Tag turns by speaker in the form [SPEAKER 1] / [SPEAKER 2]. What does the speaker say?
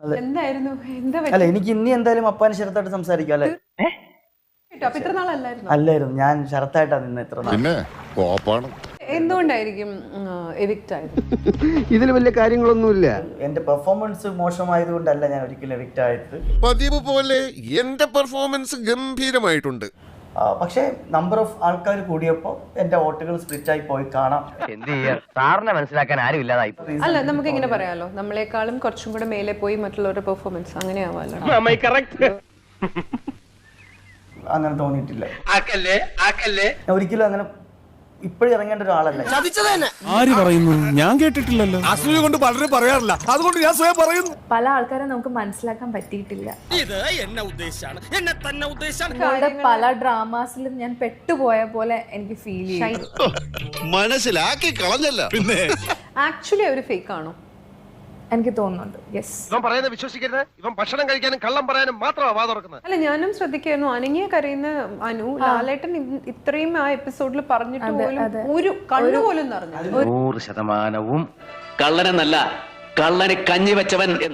[SPEAKER 1] എന്തായിരുന്നു എന്താ
[SPEAKER 2] അല്ല എനിക്ക് ഇനി എന്തായാലും അപ്പാന് ശരത്തായിട്ട് സംസാരിക്കാം അല്ലെ?
[SPEAKER 1] അപ്പൊ ഇത്ര നാളല്ലായിരുന്നു
[SPEAKER 2] അല്ലായിരുന്നു, ഞാൻ ശരത്തായിട്ടാ നിന്ന് ഇത്ര നാൾ.
[SPEAKER 3] പിന്നെ കോപ്പാണ്.
[SPEAKER 1] എന്തുകൊണ്ടായിരിക്കും എവിക്റ്റ് ആയത്?
[SPEAKER 4] ഇതിൽ വലിയ കാര്യങ്ങളൊന്നുമില്ല.
[SPEAKER 2] എന്റെ പെർഫോമൻസ് മോശമായതുകൊണ്ടല്ല ഞാൻ ഒരിക്കലും എവിക്റ്റ് ആയത്.
[SPEAKER 3] പതിവ് പോലെ എന്റെ പെർഫോമൻസ് ഗംഭീരമായിട്ടുണ്ട്.
[SPEAKER 2] പക്ഷേ നമ്പർ ഓഫ് ആൾക്കാർ കൂടിയപ്പോൾ എന്റെ വോട്ടുകൾ സ്പ്ലിറ്റ് ആയി പോയി കാണാം.
[SPEAKER 5] എന്ത് ചെയ്യാ, സാറിനെ മനസ്സിലാക്കാൻ ആരും ഇല്ലാതായി.
[SPEAKER 1] അല്ല നമുക്ക് ഇങ്ങനെ പറയാലോ, നമ്മളെക്കാളും കുറച്ചും കൂടെ മേലെ പോയി മറ്റുള്ളവരുടെ പെർഫോമൻസ് അങ്ങനെ ആവാലോ.
[SPEAKER 2] അങ്ങനെ തോന്നിയിട്ടില്ല. ഞാൻ ഒരിക്കലും അങ്ങനെ ഇപ്പോഴും ഇറങ്ങേണ്ട ഒരാളല്ല.
[SPEAKER 6] ആര് പറയുന്നു? ഞാൻ കേട്ടിട്ടില്ലല്ലോ. അസൂയ കൊണ്ട് പലരും പറയാറില്ല, അതുകൊണ്ട് ഞാൻ സ്വയം പറയുന്നു.
[SPEAKER 7] പല ആൾക്കാരെ നമുക്ക് മനസ്സിലാക്കാൻ പറ്റിയിട്ടില്ല.
[SPEAKER 6] ഇത് എന്നെ ഉദ്ദേശാണ്, എന്നെ തന്നെ ഉദ്ദേശാണ്.
[SPEAKER 7] നിങ്ങളുടെ പല ഡ്രാമാസിലും ഞാൻ പെട്ടുപോയ പോലെ എനിക്ക് ഫീൽ ചെയ്യും.
[SPEAKER 3] മനസ്സിലാക്കി കളഞ്ഞല്ല. പിന്നെ
[SPEAKER 1] ആക്ച്വലി ഒരു ഫേക്ക് ആണോ?
[SPEAKER 7] എനിക്ക് തോന്നുന്നുണ്ട്. യെസ്.
[SPEAKER 4] ഇവൻ പറയുന്നത് വിശ്വസിക്കരുത്. ഇവൻ ഭക്ഷണം കഴിക്കാനും കള്ളം പറയാനും മാത്രമാണ് വാ തുറക്കുന്നത്.
[SPEAKER 1] അല്ല ഞാനും ശ്രദ്ധിക്കായിരുന്നു, അനങ്ങിയ കരയുന്ന അനു ലാലേട്ടൻ ഇത്രയും ആ എപ്പിസോഡിൽ പറഞ്ഞിട്ട് പോലും ഒരു കണ്ണു പോലും നിറഞ്ഞു.
[SPEAKER 5] 100% കള്ളനെന്നല്ല, കള്ളന് കഞ്ഞി വെച്ചവൻ.